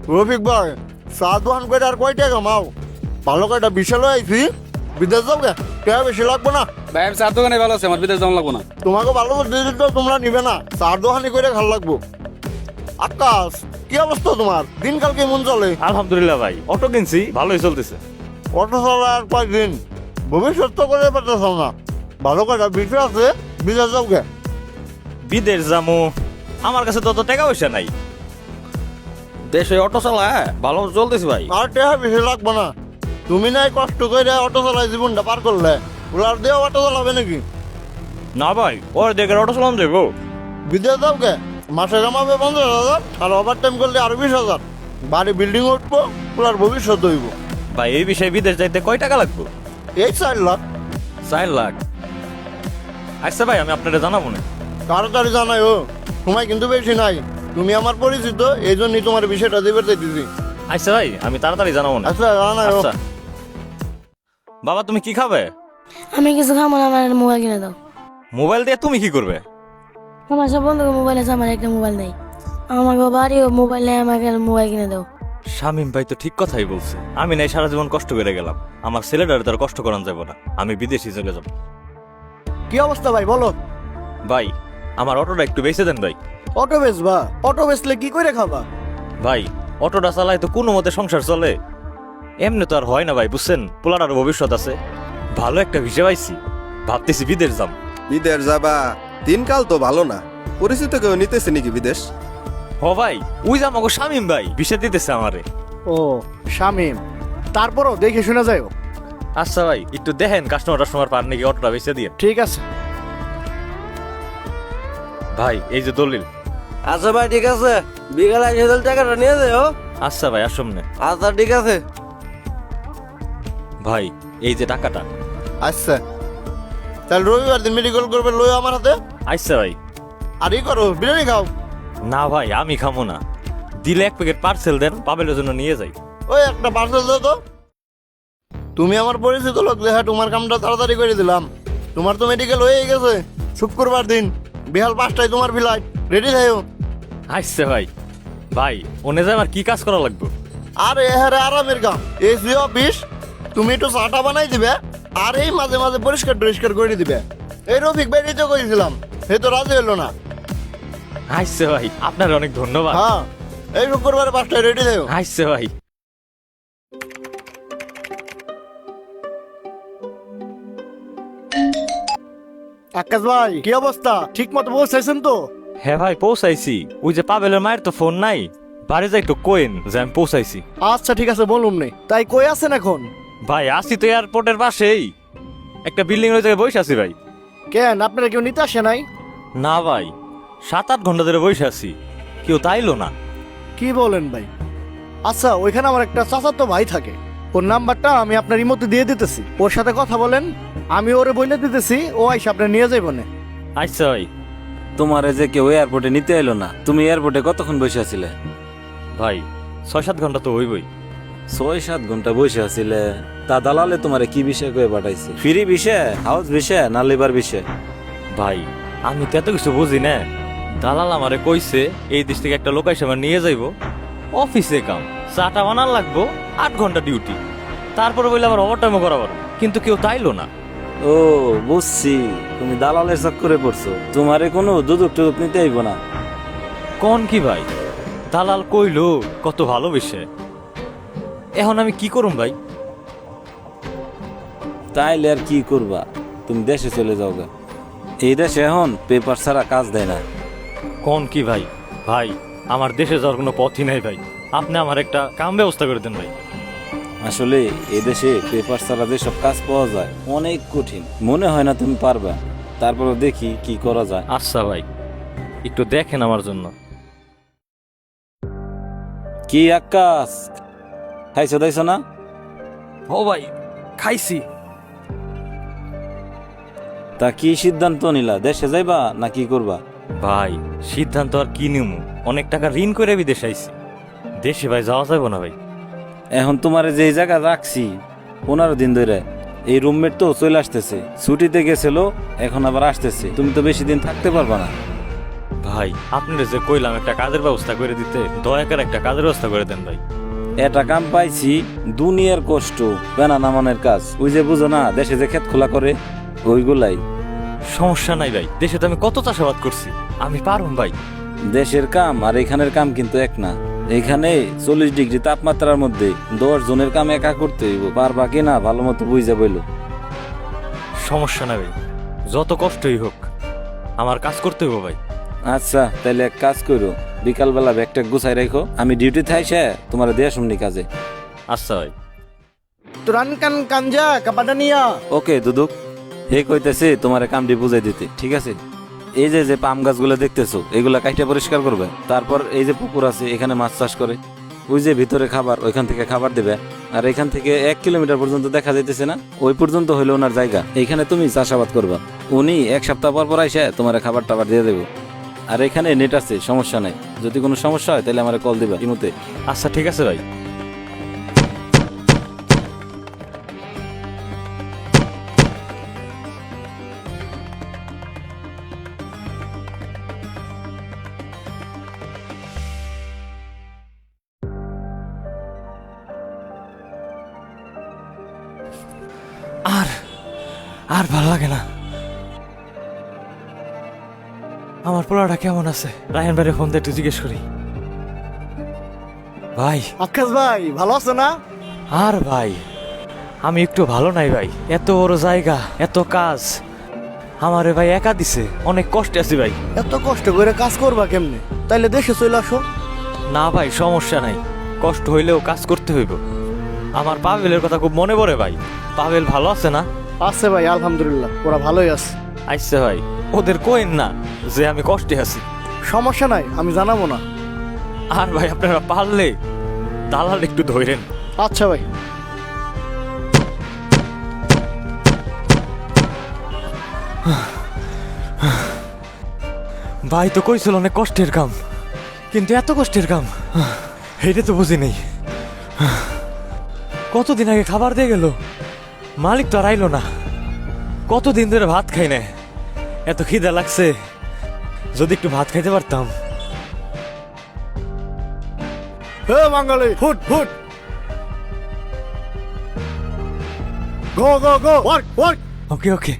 রফিক ভাই চা দোকান করে আর কয় টাকা কামাও? ভালো কয়টা বিশাল আইছি, বিদেশ যাও গে, টাকা বেশি লাগবো না। ভাই আমি চার দোকানে ভালো আছে, আমার বিদেশ যাওয়া লাগবো না। তোমাকে ভালো করে দিলে তো তোমরা নিবে না, চার দোকানি করে ভাল লাগবো। আকাশ, কি অবস্থা তোমার? দিনকাল কেমন চলে? আলহামদুলিল্লাহ ভাই, অটো কিনছি, ভালোই চলতেছে। অটো চলা আর কয়েকদিন, ভবিষ্যৎ তো করে পারতেছ না। ভালো কয়টা বিষয় আছে, বিদেশ যাও গে। বিদেশ যামু, আমার কাছে তো অত টাকা পয়সা নাই। দেশে অটো চালা ভালো চলতেছে ভাই। আর টাকা বেশি লাগবো না। তুমি নাই কষ্ট করে অটো চালাই জীবনটা পার করলে, ওলার দিয়ে অটো চালাবে নাকি? না ভাই, ওর দেখে অটো চালান দেবো। বিদেশ যাও গে, মাসে কামাবে 50,000, আর ওভার টাইম করলে আরো 20,000। বাড়ি বিল্ডিং উঠবো, ওলার ভবিষ্যৎ হইব। ভাই এই বিষয়ে বিদেশ যাইতে কয় টাকা লাগবে? এই 4 লাখ। 4 লাখ। আচ্ছা ভাই, আমি আপনারা জানাবো না। তাড়াতাড়ি জানাই ও, সময় কিন্তু বেশি নাই। তুমি আমার পরিচিত, এই জন্যই তোমার বিষয়টা দিবে দিদি। আচ্ছা ভাই, আমি তাড়াতাড়ি জানাবো না। আচ্ছা জানাই ও। আচ্ছা বাবা, তুমি কি খাবে? আমি কিছু খাবো না, আমার মোবাইল কিনে দাও। মোবাইল দিয়ে তুমি কি করবে? আমার সব বন্ধুকে মোবাইল আছে, আমার একটা মোবাইল নেই। আমাকে বাড়িও মোবাইল নেই, আমাকে মোবাইল কিনে দাও। শামীম ভাই তো ঠিক কথাই বলছে। আমি নাই সারা জীবন কষ্ট করে গেলাম, আমার ছেলেটার তার কষ্ট করান যাবো না। আমি বিদেশি চলে যাব। কি অবস্থা ভাই বলো? ভাই আমার অটোটা একটু বেঁচে দেন ভাই। অটো বেচবা? অটো বেচলে কি করে খাবা? ভাই অটোটা চালাই তো কোনো মতে সংসার চলে, এমনি তো আর হয় না ভাই, বুঝছেন? পোলাটার ভবিষ্যৎ আছে। ভালো একটা হিসেব আইছি, ভাবতেছি বিদেশ যাম। বিদেশ যাবা? দিনকাল তো ভালো না, পরিচিত কেউ নিতেছে নাকি বিদেশ? হ ভাই, ওই যে আমাকে শামীম ভাই বিষয় দিতেছে আমারে। ও শামিম, তারপরও দেখে শোনা যায়। আচ্ছা ভাই, একটু দেখেন কাস্টমার পার নাকি, অটোটা বেঁচে দিয়ে। ঠিক আছে ভাই এই যে দলিল। আচ্ছা ভাই ঠিক আছে, বিকালে এসে টাকাটা নিয়ে যাও। আচ্ছা ভাই আসুন না। আচ্ছা ঠিক আছে। ভাই এই যে টাকাটা। আচ্ছা তাহলে রবিবার দিন মেডিকেল করবে, লই আমার হাতে। আচ্ছা ভাই। আর ই করো, বিরিয়ানি খাও। না ভাই আমি খামো না, দিলে 1 প্যাকেট পার্সেল দেন, পাবেলের জন্য নিয়ে যাই। ওই একটা পার্সেল দাও তো। তুমি আমার পরিচিত লোক, দেখা তোমার কামটা তাড়াতাড়ি করে দিলাম। তোমার তো মেডিকেল হয়ে গেছে, শুক্রবার দিন বিহাল 5টায় তোমার ফ্লাইট, রেডি থাকো। আচ্ছা ভাই। ভাই ওনে যে আমার কি কাজ করা লাগবে? আর এহারে আরামের কাম, এসি অফিস। তুমি একটু চাটা বানাই দিবে, আর এই মাঝে মাঝে পরিষ্কার করে দিবে। এই রফিক ভাই তো করেছিলাম, সে তো রাজি হলো না। আচ্ছা ভাই, আপনার অনেক ধন্যবাদ। হ্যাঁ, এই শুক্রবার 5টায় রেডি থাকো। আচ্ছা ভাই। আকাশ ভাই কি অবস্থা? ঠিক মতো পৌঁছাইছেন তো? হ্যাঁ ভাই পৌঁছাইছি। ওই যে পাবেলের মায়ের তো ফোন নাই, বাড়ি যাই একটু কোয়েন যে আমি পৌঁছাইছি। আচ্ছা ঠিক আছে, বলুন নেই। তাই কই আছেন এখন? ভাই আসি তো এয়ারপোর্টের পাশেই, একটা বিল্ডিং এর জায়গায় বসে আছি ভাই। কেন, আপনারা কেউ নিতে আসে নাই? না ভাই, 7-8 ঘন্টা ধরে বসে আছি, কেউ তাইলো না। কি বলেন ভাই? আচ্ছা, ওইখানে আমার একটা চাচাতো ভাই থাকে, ওর নাম্বারটা আমি আপনার ইমোতে দিয়ে দিতেছি, ওর সাথে কথা বলেন। আমি ওরে বলে দিতেছি, ও আইসা আপনি নিয়ে যাইব না। আচ্ছা ভাই। তোমার যে কেউ এয়ারপোর্টে নিতে এলো না, তুমি এয়ারপোর্টে কতক্ষণ বসে আছিলে? ভাই 6-7 ঘন্টা তো হইবই। 6-7 ঘন্টা বসে আছিলে? তা দালালে তোমারে কি বিষয় করে পাঠাইছে? ফ্রি বিষয়, হাউস বিষয়, না লিভার বিষয়? ভাই আমি তো এত কিছু বুঝি না, দালাল আমারে কইছে এই দেশ থেকে একটা লোক এসে আমার নিয়ে যাইবো, অফিসে কাম, চাটা বানার লাগবো, 8 ঘন্টা ডিউটি, তারপরে বললে আবার ওভারটাইমও করাবার, কিন্তু কেউ তাইলো না। ও বুঝছি, তুমি দালালের চক্করে পড়ছো। তোমারে কোনো দুদক টুদক নিতে আইব না। কোন কি ভাই, দালাল কইলো কত ভালোবেসে, এখন আমি কি করুম ভাই? তাইলে আর কি করবা, তুমি দেশে চলে যাও গা। এই দেশে এখন পেপার ছাড়া কাজ দেয় না। কোন কি ভাই? ভাই আমার দেশে যাওয়ার কোনো পথই নাই ভাই, আপনি আমার একটা কাম ব্যবস্থা করে দেন ভাই। আসলে এই দেশে পেপার ছাড়া যেসব কাজ পাওয়া যায় অনেক কঠিন, মনে হয় না তুমি পারবা। তারপরে দেখি কি করা যায়। আচ্ছা ভাই, একটু দেখেন আমার জন্য। কি আকাশ, খাইছো দাইছো না? ও ভাই খাইছি। তা কি সিদ্ধান্ত নিলা, দেশে যাইবা না কি করবা? ভাই সিদ্ধান্ত আর কি নিমু, অনেক টাকা ঋণ করে বিদেশ আইছি, দেশে ভাই যাওয়া যাবে না ভাই। এখন তোমার যে জায়গা রাখছি 15 দিন ধরে, এই রুমমেট তো চলে আসতেছে, ছুটিতে গেছিল, এখন আবার আসতেছে, তুমি তো বেশি দিন থাকতে পারবা না। ভাই আপনার যে কইলাম একটা কাজের ব্যবস্থা করে দিতে, দয়া করে একটা কাজের ব্যবস্থা করে দেন ভাই। এটা কাম পাইছি, দুনিয়ার কষ্ট, বেনা নামানের কাজ। ওই যে বুঝো না, দেশে যে ক্ষেত খোলা করে ওইগুলাই। সমস্যা নাই ভাই, দেশে তো আমি কত চাষাবাদ করছি, আমি পারুম ভাই। দেশের কাম আর এখানের কাম কিন্তু এক না। এখানে 40 ডিগ্রি তাপমাত্রার মধ্যে 10 জনের কাম একা করতে হইব, পারবা কিনা ভালো মতো বুঝা বইল। সমস্যা নাই ভাই, যত কষ্টই হোক আমার কাজ করতে হইব ভাই। আচ্ছা তাহলে এক কাজ করো, বিকালবেলা ব্যাগটা গুছাই রাখো, আমি ডিউটি থাইছে তোমার দেয়া শুননি কাজে। আচ্ছা ভাই। তুরান কান কাঞ্জা কাপাটানিয়া। ওকে দুদুক, হে কইতেছে তোমার কামটি বুঝাই দিতে, ঠিক আছে? এই যে যে পাম গাছগুলো দেখতেছো, এগুলা কাইটা পরিষ্কার করবে। তারপর এই যে পুকুর আছে, এখানে মাছ চাষ করে, ওই যে ভিতরে খাবার, ওইখান থেকে খাবার দেবে। আর এখান থেকে 1 কিলোমিটার পর্যন্ত দেখা যাইতেছে না, ওই পর্যন্ত হইলো ওনার জায়গা। এইখানে তুমি চাষাবাদ করবা, উনি 1 সপ্তাহ পর পর আইসা তোমার খাবার টাবার দিয়ে দেবো। আর এখানে নেট আছে, সমস্যা নাই। যদি কোনো সমস্যা হয় তাহলে আমার কল দিবা ইমুতে। আচ্ছা ঠিক আছে ভাই। আর আর ভাল লাগে না। আমার পোলাটা কেমন আছে? রায়হান ভাইয়ের ফোন দিয়ে একটু জিজ্ঞেস করি। ভাই আকাশ ভাই ভালো আছো না? আর ভাই আমি একটু ভালো নাই ভাই, এত বড় জায়গা, এত কাজ আমারে ভাই একা দিছে, অনেক কষ্টে আছি ভাই। এত কষ্ট করে কাজ করবা কেমনে? তাইলে দেশে চলে আসো। না ভাই সমস্যা নাই, কষ্ট হইলেও কাজ করতে হইব। আমার পাভেলের কথা খুব মনে পড়ে ভাই। পাভেল ভালো আছে না? আছে ভাই আলহামদুলিল্লাহ, ওরা ভালোই আছে। আইসে ভাই, ওদের কোয়েন না যে আমি কষ্টে আছি। সমস্যা নাই, আমি জানাবো না। আর ভাই আপনারা পারলে দালাল একটু ধরেন। আচ্ছা ভাই। ভাই তো কইছিল অনেক কষ্টের কাম, কিন্তু এত কষ্টের কাম এটা তো বুঝি নেই। কতদিন আগে খাবার দিয়ে গেল, মালিক তো আর আইলো না। কতদিন ধরে ভাত খাই না, এত খিদা লাগছে, যদি একটু ভাত খাইতে পারতাম। হে বাঙালি, ফুট ফুট, go go go, work work. Okay okay.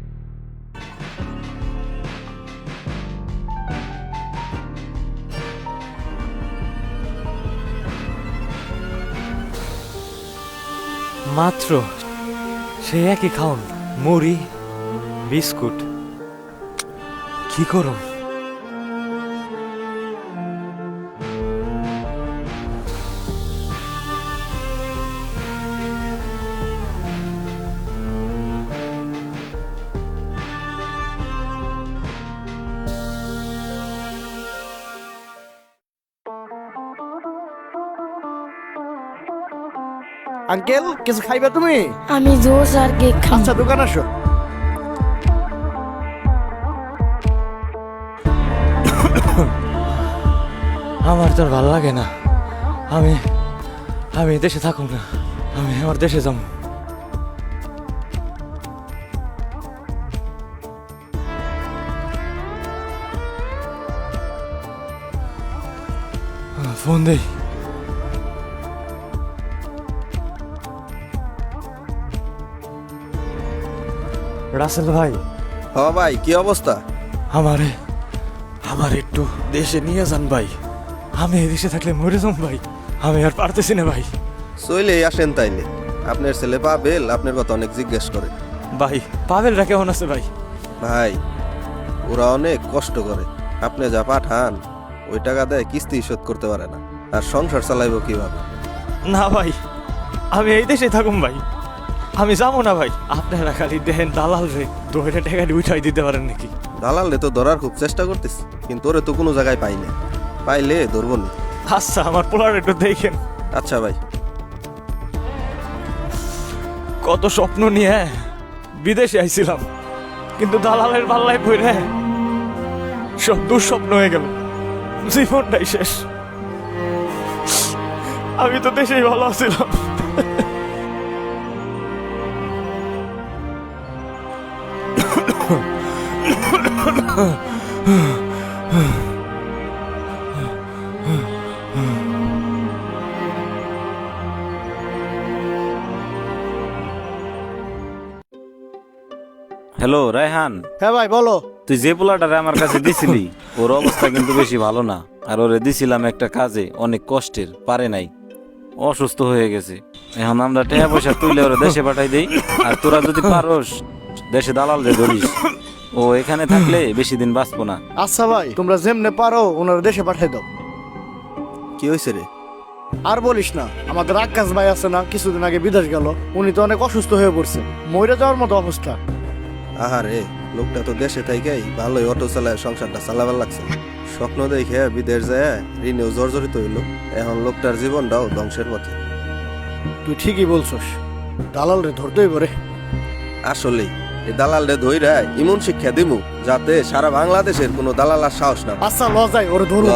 মাত্র সে একই খাওন, মুড়ি বিস্কুট, কি করুন? আঙ্কেল কিছু খাইবে তুমি? আমি জোস আর কেক খাই। আচ্ছা দোকান আসো। আমার তো আর ভালো লাগে না, আমি আমি দেশে থাকুম না, আমি আমার দেশে যাবো। ফোন দেই। রাসেল ভাই, হ ভাই, কি অবস্থা? আমারে আমার একটু দেশে নিয়ে যান ভাই, আমি এই দেশে থাকলে মরে যাম ভাই, আমি আর পারতেছি না ভাই। চলে আসেন তাইলে। আপনার ছেলে পাবেল আপনার কথা অনেক জিজ্ঞেস করে। ভাই পাভেলরা কেমন আছে ভাই? ভাই ওরা অনেক কষ্ট করে, আপনি যা পাঠান ওই টাকা দেয় কিস্তি শোধ করতে পারে না, আর সংসার চালাইবো কিভাবে? না ভাই, আমি এই দেশে থাকুম ভাই, আমি যাবো না ভাই। আপনারা খালি দেখেন দালাল রে 2 টাকা উঠাই দিতে পারেন নাকি? দালালে তো ধরার খুব চেষ্টা করতেছি, কিন্তু ওরে তো কোনো জায়গায় পাই না, পাইলে ধরবো না। আচ্ছা আমার পোলার একটু দেখেন। আচ্ছা ভাই। কত স্বপ্ন নিয়ে বিদেশে আইছিলাম, কিন্তু দালালের পাল্লায় পড়ে সব দুঃস্বপ্ন হয়ে গেল, জীবনটাই শেষ। আমি তো দেশেই ভালো আছিলাম। হ্যালো রায়হান, হ্যাঁ ভাই বলো। তুই যে পোলাটারে আমার কাছে দিছিলি ওর অবস্থা কিন্তু বেশি ভালো না। আর ওরে দিছিলাম একটা কাজে, অনেক কষ্টের, পারে নাই, অসুস্থ হয়ে গেছে। এখন আমরা টাকা পয়সা তুলে ওরা দেশে পাঠাই দেই। আর তোরা যদি পারোস দেশে দালাল রে ধরিস, ও এখানে থাকলে বেশি দিন বাঁচবো না। আচ্ছা ভাই, তোমরা যেমনে পারো ওনার দেশে পাঠাই দাও। কি হয়েছে রে? আর বলিস না, আমাদের আকাশ ভাই আছে না, কিছুদিন আগে বিদেশ গেল, উনি তো অনেক অসুস্থ হয়ে পড়ছে, মরে যাওয়ার মতো অবস্থা। আহারে, লোকটা তো দেশে থাইকাই ভালোই অটো চালায় সংসারটা চালাবার লাগছে। স্বপ্ন দেখে বিদেশ যায় ঋণেও জর্জরিত হইল। এখন লোকটার জীবনটাও ধ্বংসের পথে। তুই ঠিকই বলছস, দালাল রে ধরতেই পারে। আসলেই এই দালাল রে ধইরা ইমন শিক্ষা দিমু, যাতে সারা বাংলাদেশের কোনো দালাল আর সাহস না পায়। আচ্ছা লজাই ওরে ধরো।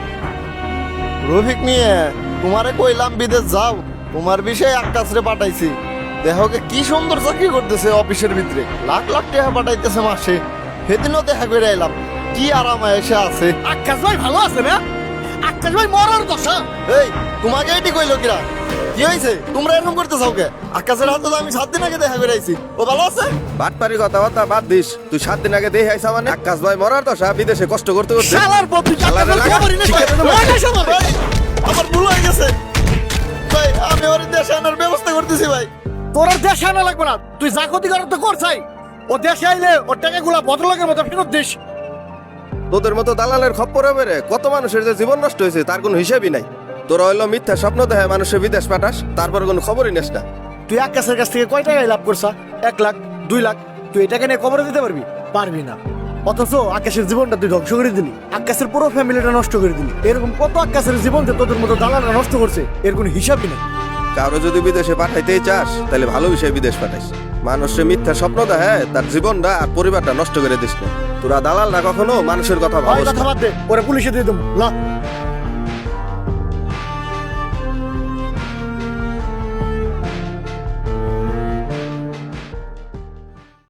রফিক নিয়ে তোমারে কইলাম বিদেশ যাও, তোমার বিষয়ে আকাশরে পাঠাইছি। দেহকে কি সুন্দর চাকরি করতেছে অফিসের ভিতরে, লাখ লাখ টাকা পাঠাইতেছে মাসে। সেদিনও দেখা করে এলাম, কি আরাম এসে আছে। আকাশ ভাই ভালো আছে না? আকাশ ভাই মরার দশা। এই তোমাকে এটি কইলো কিরা? কি হয়েছে? তোমরা এরকম করতে চাও কে? আকাশের হাতে তো আমি 7 দিন আগে দেখা করে আইছি, ও ভালো আছে? বাটপারি কথাবার্তা বাদ দিস। তুই 7 দিন আগে দেখে আইসা মানে আকাশ ভাই মরার দশা, বিদেশে কষ্ট করতে করতে। শালার বন্ধু শালারে লাগা, শিখে দেবো। ভাই, আমার ভুল হয়ে গেছে ভাই, আমি ওর দেশে আনার ব্যবস্থা করতেছি ভাই। তোর আর দেশে আনা লাগবে না, তুই যা ক্ষতি করার তো করছাই। ও দেশে আইলে ওর টাকাগুলা ভদ্রলোকের মতো ফেরত দিস। তোদের মতো দালালের খপ্পরে বেড়ে কত মানুষের যে জীবন নষ্ট হয়েছে তার কোনো হিসেবই নাই। তোরা হইলো মিথ্যা স্বপ্ন দেখে মানুষের বিদেশ পাঠাস, তারপর কোনো খবরই নেস না। তুই আকাশের কাছ থেকে কয় টাকায় লাভ করছা? 1 লাখ, 2 লাখ। তুই এটাকে নিয়ে কবরে দিতে পারবি? পারবি না। অথচ আকাশের জীবনটা তুই ধ্বংস করে দিলি, আকাশের পুরো ফ্যামিলিটা নষ্ট করে দিলি। এরকম কত আকাশের জীবন যে তোদের মতো দালালরা নষ্ট করছে, এর কোনো হিসাবই নেই। কারো যদি বিদেশে পাঠাইতেই চাস তাহলে ভালো বিষয়ে বিদেশ পাঠাইস। মানুষের মিথ্যা স্বপ্ন দেখে তার জীবনটা আর পরিবারটা নষ্ট করে দিস না। তোরা দালালরা কখনো মানুষের কথা ভাই ভাবস কথা না। বাদ দে, ওরে পুলিশে দিয়ে দেবো। লা